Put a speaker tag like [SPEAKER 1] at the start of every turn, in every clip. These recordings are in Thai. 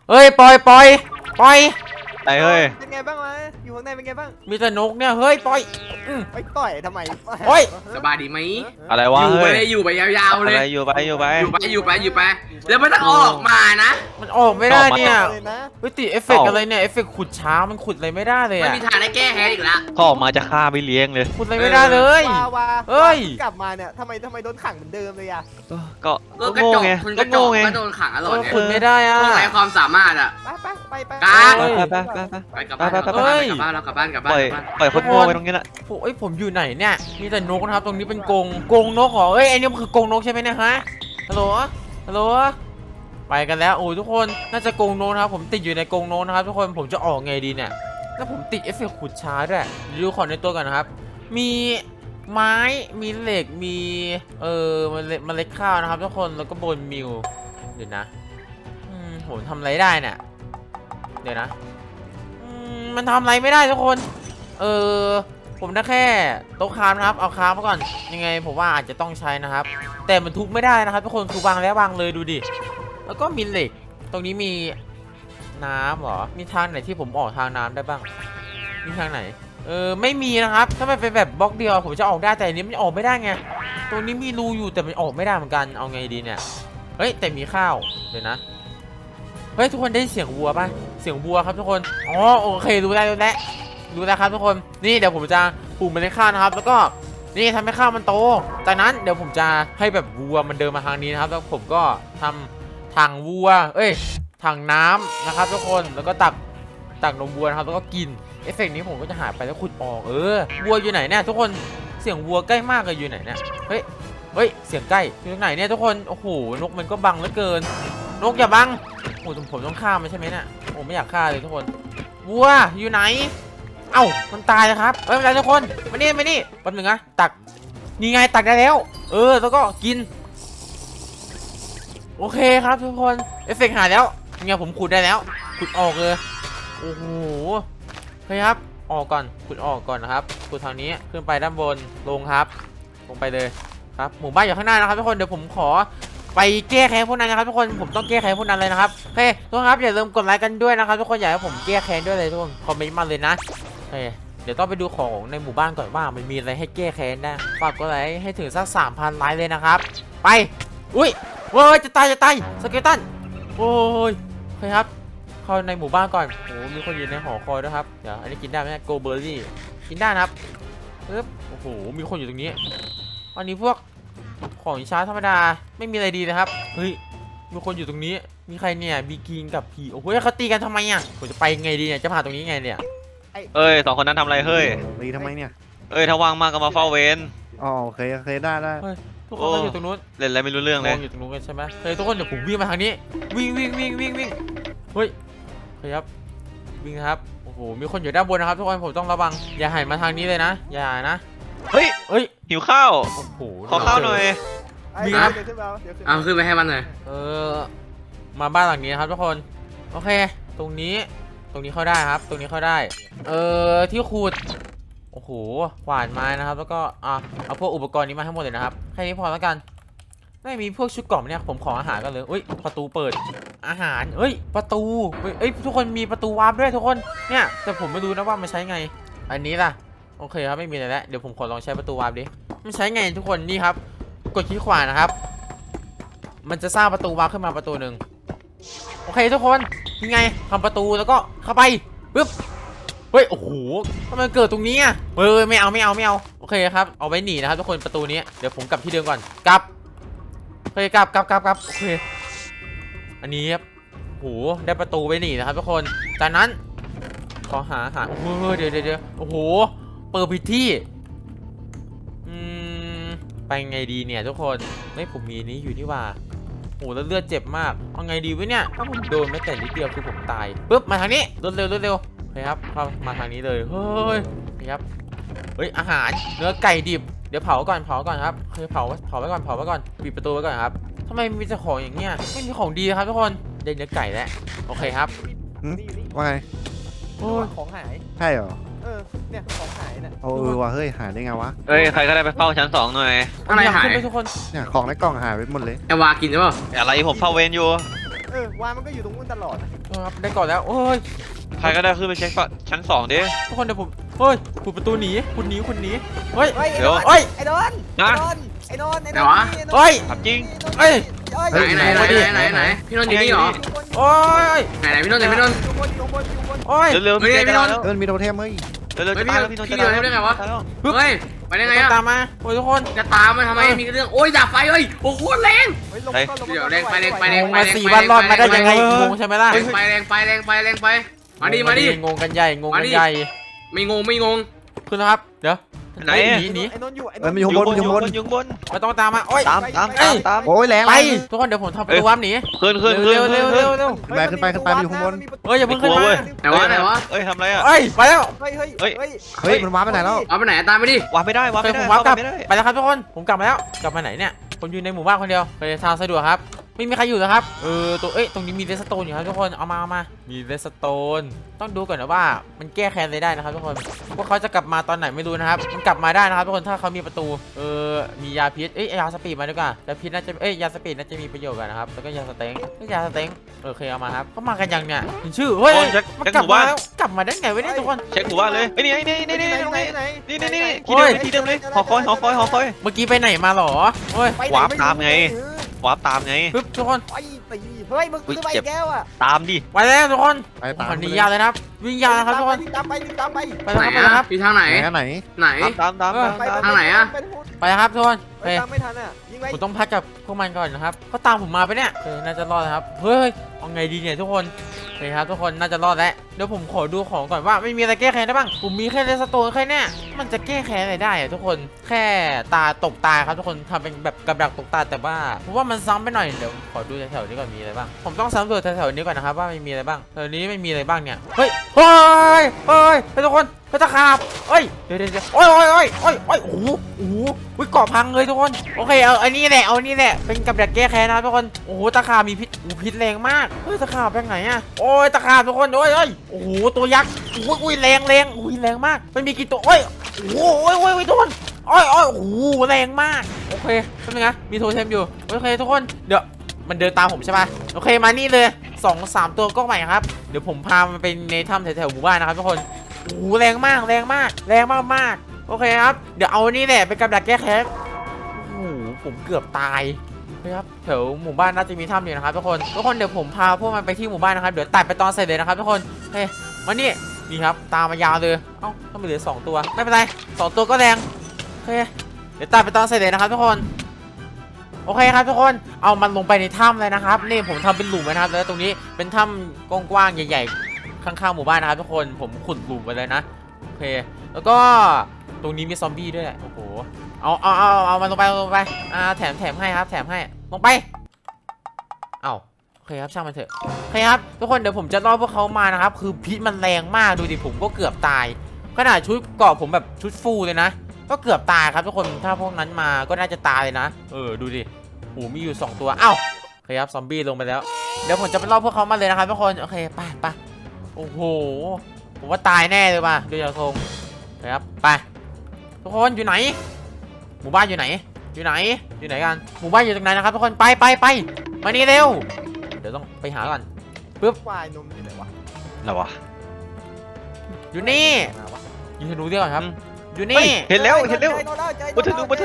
[SPEAKER 1] เฮ้ยปล่อยปล่อยปล่อย
[SPEAKER 2] ไอ้เฮ้ย
[SPEAKER 3] เป็นไงบ้างวะอยู่ข้างในเป็นไงบ้าง
[SPEAKER 1] มีแต่นกเนี่ยเฮ้ยปล่อย
[SPEAKER 3] ไปต่อยทำไม
[SPEAKER 1] โอ้ย
[SPEAKER 4] สบายดีไหม
[SPEAKER 2] อะไรวะ
[SPEAKER 4] อยู่
[SPEAKER 2] เฮ้
[SPEAKER 4] ไป
[SPEAKER 2] ย
[SPEAKER 4] เลยอยู่ไปยาวๆ
[SPEAKER 2] อะ
[SPEAKER 4] เลย
[SPEAKER 2] ไรอยู่ไปอยู่ไป
[SPEAKER 4] อยู่ไปแล้วไม่ต้องออกมานะ
[SPEAKER 1] มันออกไม่ได้เนี่ย
[SPEAKER 3] เลยนะ
[SPEAKER 1] เฮ้ยติดเอฟเฟกต์อะไรเนี่ยเอฟเฟกต์ขุดช้ามันขุดอะไรไม่ได้เลย
[SPEAKER 4] ไม่
[SPEAKER 1] อะ
[SPEAKER 4] มีทางได้แก้แค้นอีกละ
[SPEAKER 2] พ่อออกมาจะฆ่าไม่เลี้ยงเลย
[SPEAKER 1] ขุดอะไรไม่ได้เลย
[SPEAKER 3] วา
[SPEAKER 1] เฮ้ย
[SPEAKER 3] กลับมาเนี่ยทำไมโดนขังเหมือนเดิมเลยอะ
[SPEAKER 2] ก็
[SPEAKER 4] ก็กระ
[SPEAKER 2] โง่
[SPEAKER 4] จก
[SPEAKER 2] ไง
[SPEAKER 4] คุณก
[SPEAKER 2] ก็
[SPEAKER 4] ระจ
[SPEAKER 2] โง่
[SPEAKER 4] ก
[SPEAKER 2] ไง
[SPEAKER 4] ก็โดนขังตลอดเนี่ย
[SPEAKER 1] ขุดไม่ได้อะ
[SPEAKER 4] พวกไร้ความสามารถอ่ะ
[SPEAKER 3] ไป
[SPEAKER 4] การ
[SPEAKER 1] เฮ้ย
[SPEAKER 2] ไป
[SPEAKER 4] กลับบ้าน
[SPEAKER 2] ไป
[SPEAKER 4] กลับบ้านเรากลับบ้านกลับ
[SPEAKER 2] ป
[SPEAKER 4] บ้าน
[SPEAKER 2] ล่อย
[SPEAKER 4] กลับบ้าน
[SPEAKER 2] ปล่อยคนโง่ไปตรงนี้แหละ
[SPEAKER 1] เอ้ยผมอยู่ไหนเนี่ยมีแต่นกนะครับตรงนี้เป็นกรงนกเหรอเอ้ยไอ้นี่มันคือกรงนกใช่ไหมเนี่ยฮะฮัลโหลฮัลโหลไปกันแล้วโอ้ยทุกคนน่าจะกรงนกนะครับผมติดอยู่ในกรงนกนะครับทุกคนผมจะออกไงดีเนี่ยแล้วผมติดเอฟเฟกต์ขุดช้าด้วยดูของในตัวกันนะครับมีไม้มีเหล็กมีเมล็ดข้าวนะครับทุกคนแล้วก็โบนมิลเดี๋ยวนะผมทำอะไรได้เนี่ยเดี๋ยวนะมันทำอะไรไม่ได้ทุกคนผมได้แค่โต๊ะคราฟนะครับเอาคราฟมาก่อนยังไงผมว่าอาจจะต้องใช้นะครับแต่มันทุบไม่ได้นะครับทุกคนคือวางแล้ววางเลยดูดิแล้วก็มีเหล็กตรงนี้มีน้ำเหรอมีทางไหนที่ผมออกทางน้ำได้บ้างมีทางไหนไม่มีนะครับถ้ามันเป็นแบบบล็อกเดียวผมจะออกได้แต่อันนี้มันออกไม่ได้ไงตรงนี้มีรูอยู่แต่มันออกไม่ได้เหมือนกันเอาไงดีเนี่ยเฮ้ยแต่มีข้าวเดี๋ยวนะเฮ้ยทุกคนได้เสียงวัวป่ะเสียงวัวครับทุกคนอ๋อโอเครู้แล้วครับทุกคนนี่เดี๋ยวผมจะปลูกเมล็ดข้าวนะครับแล้วก็นี่ทำให้ข้าวมันโตจากนั้นเดี๋ยวผมจะให้แบบวัวมันเดินมาทางนี้นะครับแล้วผมก็ทำถังวัวถังน้ำนะครับทุกคนแล้วก็ตักนมวัวนะครับแล้วก็กินเอฟเฟกต์นี้ผมก็จะหายไปแล้วขุดออกวัวอยู่ไหนเนี่ยทุกคนเสียงวัวใกล้มากเลยอยู่ไหนเนี่ยเฮ้ยเสียงใกล้อยู่ตรงไหนเนี่ยทุกคนโอ้โหนกมันก็บังเหลือเกินนกอย่าบังโอ้ผมต้องฆ่ามันใช่ไหมเนี่ยผมไม่อยากฆ่าเลยทุกคนวัวอยู่ไหนเอ้ามันตายแล้วครับไม่เป็นไรทุกคนมานี่แป๊บนึงนะตักนี่ไงตักได้แล้วแล้วก็กินโอเคครับทุกคนเอฟเฟกต์หายแล้วเนี่ยผมขุดได้แล้วขุดออกเลยโอ้โหเฮ้ยครับออกก่อนขุดออกก่อนนะครับขุดทางนี้ขึ้นไปด้านบนลงครับลงไปเลยครับหมู่บ้านอยู่ข้างหน้านะครับทุกคนเดี๋ยวผมขอไปแก้แค้นพวกนั้นนะครับทุกคนผมต้องแก้แค้นพวกนั้นเลยนะครับโอเคทุกคนครับอย่าลืมกดไลค์กันด้วยนะครับทุกคนอยากให้ผมแก้แค้นด้วยเลยทุกคนคอมเมนต์มาเลยนะเดี๋ยวต้องไปดูของในหมู่บ้านก่อนว่ามันมีอะไรให้แก้แค้นนะฝากกดไลค์ให้ถึงสัก 3,000 ไลค์เลยนะครับไปอุ้ยเว้ยจะตายสเกลตันโอ้ยโอเคครับเข้าในหมู่บ้านก่อนโอ้มีคนอยู่ในหอคอยด้วยครับเดี๋ยวอันนี้กินได้ไหมโกเบอร์รี่กินได้นะครับปึ๊บโอ้โหมีคนอยู่ตรงนี้อันนี้พวกของช้าธรรมดาไม่มีอะไรดีนะครับเฮ้ยมีคนอยู่ตรงนี้มีใครเนี่ยบีกิงกับพีโอ้โหเขาตีกันทำไมอ่ะผมจะไปไงดีเนี่ยจะผ่านตรงนี้ไงเนี่ย
[SPEAKER 2] สองคนนั้นทำอะไรเฮ้ย
[SPEAKER 5] ตีทำไมเนี่ย
[SPEAKER 2] ถ้าว่างมากก็มาเฝ้าเวร
[SPEAKER 5] อ๋อโอเคได้
[SPEAKER 1] ทุกคนก็อยู่ตรงนู้น
[SPEAKER 2] เล่นอะไรไม่รู้เรื่องเลย
[SPEAKER 1] อยู่ตรงนู้นกันใช่ไหมทุกคนเดี๋ยวผมวิ่งมาทางนี้วิ่งเฮ้ยครับวิ่งครับโอ้โหมีคนอยู่ด้านบนนะครับทุกคนผมต้องระวังอย่าหันมาทางนี้เลยนะอย่านะ
[SPEAKER 2] เฮ้ยหิวข้าว
[SPEAKER 1] โอ้โห
[SPEAKER 2] ขอข้าวหน่อย
[SPEAKER 3] มีครับเดี๋ยวขึ้น
[SPEAKER 4] ไปให้มันหน่อย
[SPEAKER 1] มาบ้านหลังนี้นะครับทุกคนโอเคตรงนี้เข้าได้ครับตรงนี้เข้าได้ที่ขุดโอ้โหขวานไม้นะครับแล้วก็เอาพวกอุปกรณ์นี้มาให้หมดเลยนะครับแค่นี้พอแล้วกันไม่มีพวกชุดกล่องเนี่ยผมขออาหารกันเลยประตูเปิดอาหารประตูทุกคนมีประตูวาร์ปด้วยทุกคนเนี่ยแต่ผมไม่รู้นะว่ามันใช้ไงอันนี้ล่ะโอเคครับไม่มีอะไรแล้วเดี๋ยวผมขอลองใช้ประตูวาร์ปดิมันใช้ไงทุกคนนี่ครับกดคลิกขวานะครับมันจะสร้างประตูวาร์ปขึ้นมาประตูหนึ่งโอเคทุกคนยังไงทำประตูแล้วก็เข้าไปปึ๊บเฮ้ยโอ้โหทำไมเกิดตรงนี้อ่ะไม่เอาโอเคครับเอาไว้หนีนะครับทุกคนประตูนี้เดี๋ยวผมกลับที่เดิมก่อนกลับโอเคกลับโอเคอันนี้ครับโอ้โหได้ประตูไว้หนีนะครับทุกคนจากนั้นขอหาโอ้โหเดี๋ยวโอ้โหเปิดผิดที่ไปไงดีเนี่ยทุกคนผมมีนี้อยู่นี่ว่าโอ้แล้วเลือดเจ็บมากเอาไงดีวะเนี่ยถ้าผมโดนไม่แต่นิดเดียวคือผมตายปึ๊บมาทางนี้รวดเร็วโอเคครับเข้ามาทางนี้เลยเฮ้ยครับอาหารเนื้อไก่ดิบเดี๋ยวเผาก่อนครับเผาไว้ก่อนปิดประตูไว้ก่อนครับทำไมมีแต่ของอย่างเงี้ยไม่มีของดีครับทุกคนได้เนื้อไก่แล้วโอเคครับ
[SPEAKER 5] ว่าไง
[SPEAKER 3] ของหาย
[SPEAKER 5] ใช่เหรอ
[SPEAKER 3] เนี่ยของหายเนี่ย
[SPEAKER 5] ว่ะเฮ้ยหายได้ไงวะ
[SPEAKER 2] ใครก็ได้ไปเฝ้าชั้น 2หน่อย
[SPEAKER 4] อะไรหาย
[SPEAKER 1] ทุกคน
[SPEAKER 5] เนี่ยของในกล่องหายไปหมดเลย
[SPEAKER 4] วากินใช่ป่ะ
[SPEAKER 2] อะไรผมเฝ้าเวรอยู่
[SPEAKER 3] วามันก็อยู่ตรงนู้นตลอด
[SPEAKER 1] ครับได้ก่อนแล้วโอ้ย
[SPEAKER 2] ใครก็ได้ขึ้นไปเช็คชั้นสองดิ
[SPEAKER 1] ทุกคนเดี๋ยวผมเฮ้ยขุดประตูหนีคุณหนีเฮ้ย
[SPEAKER 3] เฮ้ย
[SPEAKER 2] เดี๋ยว
[SPEAKER 1] เฮ้ย
[SPEAKER 3] ไอ้โดน
[SPEAKER 2] นะ
[SPEAKER 3] ไอ้โดน
[SPEAKER 1] เฮ้ย
[SPEAKER 2] ถามจริง
[SPEAKER 1] เฮ้ย
[SPEAKER 4] ไหนพี่นนท์อยู่นี่เหรอ
[SPEAKER 1] โอ้ย
[SPEAKER 4] ไหนพี่นนท์ไหนพี่นนท์
[SPEAKER 3] อยู่บนอยู่บนอยู่บน
[SPEAKER 1] โอ้ย
[SPEAKER 2] เร็วๆพี่จะแล้ว
[SPEAKER 5] เอิญมีโทเทมเฮ้ย
[SPEAKER 2] เร็วๆจะตายแล้วพี่นนท์จะ
[SPEAKER 4] พี่เดินได้ไงวะ เฮ้ยไปได้ไง
[SPEAKER 1] ต้อง
[SPEAKER 4] อะ
[SPEAKER 1] ตามมาโอ้ยทุกคน
[SPEAKER 4] จะตามมาทำไมมีเรื่องโอ้ยดับไฟเอ้ยโอ้โหแรง เดี๋ยวแรงไปแรงไปแรง
[SPEAKER 1] งงมา4 วันรอดมาได้ยังไงงงใช่ไหมล่ะ
[SPEAKER 4] ไปแรงไปมาดิ
[SPEAKER 1] งงกันใหญ่งงกันใหญ่
[SPEAKER 4] ไม่งง
[SPEAKER 1] ขึ้นแล้วครับเดี๋ยว
[SPEAKER 2] ไหน
[SPEAKER 1] หนี
[SPEAKER 3] ไอ้โดนอยู่ไอ้โด
[SPEAKER 5] เอิญ
[SPEAKER 3] น
[SPEAKER 5] มันอยู่ข้างบนมันอยู่ข้างบน
[SPEAKER 2] อยู่ข้างบน
[SPEAKER 1] ไม่ต้องตามมาโอ้ย
[SPEAKER 2] ตาม
[SPEAKER 5] โอ้ยแรง
[SPEAKER 1] ไปทุกคนเดี๋ยวผมทำประตูวับหนี
[SPEAKER 2] ขึ้น
[SPEAKER 1] เร็วเร็วเร็วเร็ว
[SPEAKER 5] ขึ้นไปมันอยู่ข้างบน
[SPEAKER 1] เฮ้ยอย่าเพิ่งขึ้นมา
[SPEAKER 4] ไหนวะ
[SPEAKER 2] เอ้ยทำไรอ่ะ
[SPEAKER 1] เฮ้ยไปแล้ว
[SPEAKER 3] เฮ้ย
[SPEAKER 5] เฮ้ยมันว้าไปไหนแล้ว
[SPEAKER 4] เอาไปไหนตามไปดิ
[SPEAKER 2] วางไม่ได้วาง
[SPEAKER 1] ไป
[SPEAKER 2] ไม่
[SPEAKER 1] ผ
[SPEAKER 2] ได้
[SPEAKER 1] มวับกลับ
[SPEAKER 2] ไม่ได้
[SPEAKER 1] ไปแล้วครับทุกคนผมกลับมาแล้วกลับมาไหนเนี่ยผมอยู่ในหมู่บ้านคนเดียวไปทางสะดวกครับไม่มีใครอยู่แล้วครับตัวตรงนี้มีเรสโตนอยู่ครับทุกคนเอามามีเรสโตนต้องดูก่อนนะว่ามันแก้แค้นอะไรได้นะครับทุกคนพวกเขาจะกลับมาตอนไหนไม่รู้นะครับมันกลับมาได้นะครับทุกคนถ้าเขามีประตูมียาพิษยาสปีดมาดีกว่ายาพิษน่าจะยาสปีดน่าจะมีประโยชน์กันนะครับแล้วก็ยาสเต็งยาสเต็งโอเคเอามาครับเขามากันยังเนี่ยเห็นชื่อเฮ้ยมันกลับมาแล้วกลับมาได้ไงวะเนี่ยทุกคน
[SPEAKER 2] เช็คหมู่บ้านเลยไอ้นี่ตรงนี้นี่ที่เดิมเลยหอคอย
[SPEAKER 1] เมื่อกี้ไปไหนมาหรอเฮ้ยว
[SPEAKER 2] าร์ปตามไงวาร์ปตามไง
[SPEAKER 1] ปึ๊บทุกคน
[SPEAKER 3] ไอ้ตีเฮ้ยมึงซื้อไปแก้วอ่ะ
[SPEAKER 2] ตามดิ
[SPEAKER 1] ไปแล้วทุกคน
[SPEAKER 5] ไปตาม
[SPEAKER 1] วันนี้ยาวเลยนะครับวิ่งยาวนะครับทุกคน
[SPEAKER 3] ตามไป
[SPEAKER 1] ไป
[SPEAKER 4] ไหน
[SPEAKER 1] แล้วครับ
[SPEAKER 4] พี่ทางไหน
[SPEAKER 5] ไหน
[SPEAKER 4] ไหน
[SPEAKER 2] ตาม
[SPEAKER 4] ทางไหนอะ
[SPEAKER 1] ไปแล้วครับทุกคน
[SPEAKER 3] ไปตามไม่ทันอ่ะยิงไป
[SPEAKER 1] ผมต้องพักกับพวกมันก่อนนะครับเขาตามผมมาไปเนี่ยน่าจะรอดนะครับเฮ้ยเอาไงดีเนี่ยทุกคนโอเคครับทุกคนน่าจะรอดแล้วเดี๋ยวผมขอดูของก่อนว่าไม่มีอะไรแก้แค้นได้บ้างผมมีแค่เรสโตนแค่เนี้ยมันจะแก้แค้นอะไรได้อะทุกคนแค่ตาตกตาครับทุกคนทำเป็นแบบกับดักตกตาแต่ว่าผมว่ามันซ้ำไปหน่อยเดี๋ยวขอดูแถวๆนี้ก่อนมีอะไรบ้างผมต้องสำรวจแถวๆนี้ก่อนนะครับว่าไม่มีอะไรบ้างแถวนี้ไม่มีอะไรบ้างเนี่ยเฮ้ยทุกคนตะขาบเอ้ยเดี๋ยวโอ้ยโอ้โหเกาะพังเลยทุกคนโอเคเอาอันนี้แหละเป็นกับดักแก้แค้นนะทุกคนโอ้โหตะขาบมีพิษพิษแรงมากเฮ้ยตะขาบไปไหนอะโอ้ยตะขาบทุกคนโอ้ยโอ้โหตัวยักษ์อุ้ยแรงอุ้ยแรงมากมันมีกี่ตัวโอ้ยโอ้ยทุกคนโอ้ยโอ้โหแรงมากโอเคเป็นไงมีโทเทมอยู่โอเคทุกคนเดี๋ยวมันเดินตามผมใช่ป่ะโอเคมานี่เลย2-3 ตัวก็ใหม่ครับเดี๋ยวผมพามันไปในถ้ำแถวๆหมู่บ้านนะครับทุกคนโอ้โหแรงมากโอเคครับเดี๋ยวเอานี่แหละเป็นกับดักแก้แค้นโอ้โหผมเกือบตายครับแถวหมู่บ้านน่าจะมีถ้ำอยู่นะครับทุกคนเดี๋ยวผมพาพวกมันไปที่หมู่บ้านนะครับเดี๋ยวตัดไปตอนเสร็จเลยนะครับทุกคนโอเคมานี่ครับตามมายาวเลยเอ้าต้องเหลือ2 ตัวไม่เป็นไร2 ตัวก็แรงโอเคเดี๋ยวตัดไปตอนเสร็จเลยนะครับทุกคนโอเคครับทุกคนเอามันลงไปในถ้ำเลยนะครับนี่ผมทำเป็นหลุมนะครับแล้วตรงนี้เป็นถ้ำกว้างๆใหญ่ๆข้างๆหมู่บ้านนะครับทุกคนผมขุดหลุมไปเลยนะโอเคแล้วก็ตรงนี้มีซอมบี้ด้วยโอ้โหเอามันลงไปแถมให้ครับแถมให้ลงไปโอเคครับช่างมันเถอะโอเคครับทุกคนเดี๋ยวผมจะล่อพวกเขามานะครับคือพิษมันแรงมากดูดิผมก็เกือบตายขนาดชุดเกราะผมแบบชุดฟูเลยนะก็เกือบตายครับทุกคนถ้าพวกนั้นมาก็น่าจะตายเลยนะดูดิโอ้มีอยู่2 ตัวโอเคครับซอมบี้ลงไปแล้วเดี๋ยวผมจะไปล่อพวกเขามาเลยนะครับทุกคนโอเคไปโอ้โหผมว่าตายแน่เลยว่ะดูจากทรงครับไปทุกคนอยู่ไหนหมู่บ้านอยู่ไหนกันหมู่บ้านอยู่ตรงไหนนะครับทุกคนไปมานี่เร็วเดี๋ยวต้องไปหาก่อนปึ๊บ
[SPEAKER 3] ควายนมอยู่ไหนวะ
[SPEAKER 2] อะไรวะ
[SPEAKER 1] อยู่นี่ยิงธนูเดียวก่อนครับอยู่นี่
[SPEAKER 2] เห็นแล้วบนต้นไม้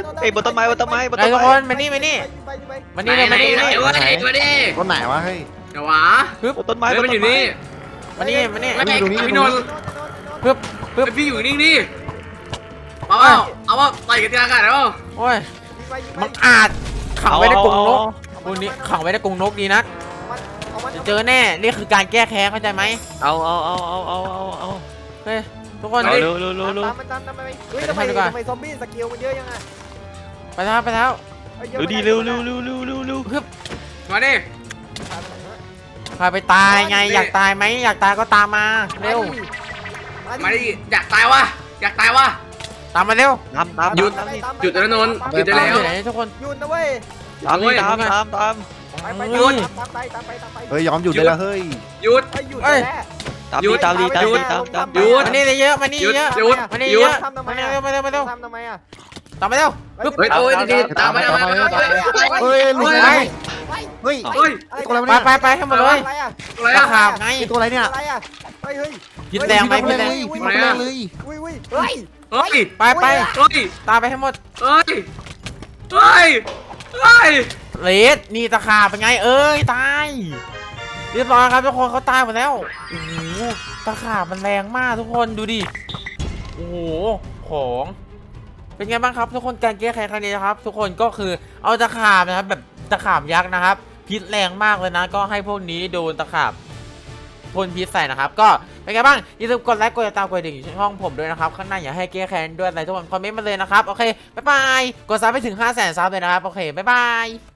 [SPEAKER 1] ไอ้ทุกคนมานี่เลยมานี่
[SPEAKER 4] มาดิ
[SPEAKER 5] ต้นไหนวะเฮ้ย
[SPEAKER 4] เดี๋ยววะ
[SPEAKER 2] ต้นไม้
[SPEAKER 4] มันอยู่นี่
[SPEAKER 1] มานี่
[SPEAKER 4] พี่นนท์
[SPEAKER 1] ปึ๊บ
[SPEAKER 4] พี่อยู่นิ่งดิเอาว่าต่อยกันทีละกันแล้ว
[SPEAKER 1] โอ้ยมังอาจขังไว้ในกรงนกตัวนี้ขังไว้ในกรงนกดีนะจะเจอแน่นี่คือการแก้แค้นเข้าใจไหม
[SPEAKER 2] เอา
[SPEAKER 1] เฮ้ยทุกคน
[SPEAKER 2] เร็ว
[SPEAKER 3] ตามไปเฮ้ยทำไมซอมบี้สกิลมันเยอะยังไง
[SPEAKER 1] ไปแล้ว
[SPEAKER 2] ดีเร็ว
[SPEAKER 4] มาดิ
[SPEAKER 1] พาไปตายไงอยากตายไหมอยากตายก็ตามมาเร็ว
[SPEAKER 4] มาดิอยากตายวะ
[SPEAKER 1] ตามมาเร็ว
[SPEAKER 2] ตาม
[SPEAKER 4] หยุดแล้วนนท์หยุดได้แล้ว
[SPEAKER 1] อยู่ไหนทุกคน
[SPEAKER 3] หยุดนะเว้ย
[SPEAKER 2] ตาม
[SPEAKER 3] ไป
[SPEAKER 5] เฮ้ยยอมหยุดได้แล้วเฮ้ย
[SPEAKER 4] หยุด
[SPEAKER 3] หยุดแล้ว
[SPEAKER 2] ตาม
[SPEAKER 1] มานี่เยอะมานี่เยอะมานี่เยอะมานี่เร็ว
[SPEAKER 3] ทำทำไมอ่ะ
[SPEAKER 1] ตามไปเร็ว
[SPEAKER 4] เฮ้ยโอ้ยดีตามไป
[SPEAKER 5] เฮ้ยลุง
[SPEAKER 1] ไป
[SPEAKER 5] เฮ้ย
[SPEAKER 4] เฮ้ย
[SPEAKER 5] ตัวอะไรวะเนี่ย
[SPEAKER 1] ไปให้หมดเลย
[SPEAKER 3] อะไรอ่ะ
[SPEAKER 4] อะไร
[SPEAKER 1] ตะ
[SPEAKER 4] อะ
[SPEAKER 1] ขาบไง
[SPEAKER 5] ตัวอะไรเนี่ย
[SPEAKER 3] อะไรอ่ะเฮ้ย
[SPEAKER 1] พิษแรงไหมพิษแรง
[SPEAKER 5] พี่มาแรงเลย
[SPEAKER 3] อุ้ย
[SPEAKER 4] เฮ้ย
[SPEAKER 1] ไป
[SPEAKER 4] เฮ้ย
[SPEAKER 1] ตามไปให้หมด
[SPEAKER 4] เฮ้ยเฮ้ยเฮ้ย
[SPEAKER 1] เลสนี่ตะขาบเป็นไงตายเรียบร้อยครับทุกคนเขาตายหมดแล้วโอ้โหตะขาบมันแรงมากทุกคนดูดิโอ้โหของเป็นไงบ้างครับทุกคนการแก้ไขครั้งนี้นะครับ ทุกคนก็คือเอาตะขาบนะครับแบบตะขาบยักษ์นะครับพิษแรงมากเลยนะก็ให้พวกนี้โดนตะขาบพ่นพิษใส่นะครับก็เป็นไงบ้างอย่าลืมกดไลค์กดติดตามกดกระดิ่งช่องผมด้วยนะครับข้างหน้าอยากให้แก้แค้นด้วยอะไรทุกคนคอมเมนต์มาเลยนะครับโอเคบ๊ายบายกดซับไปถึง 500,000 ซับเลยนะครับโอเคบ๊ายบาย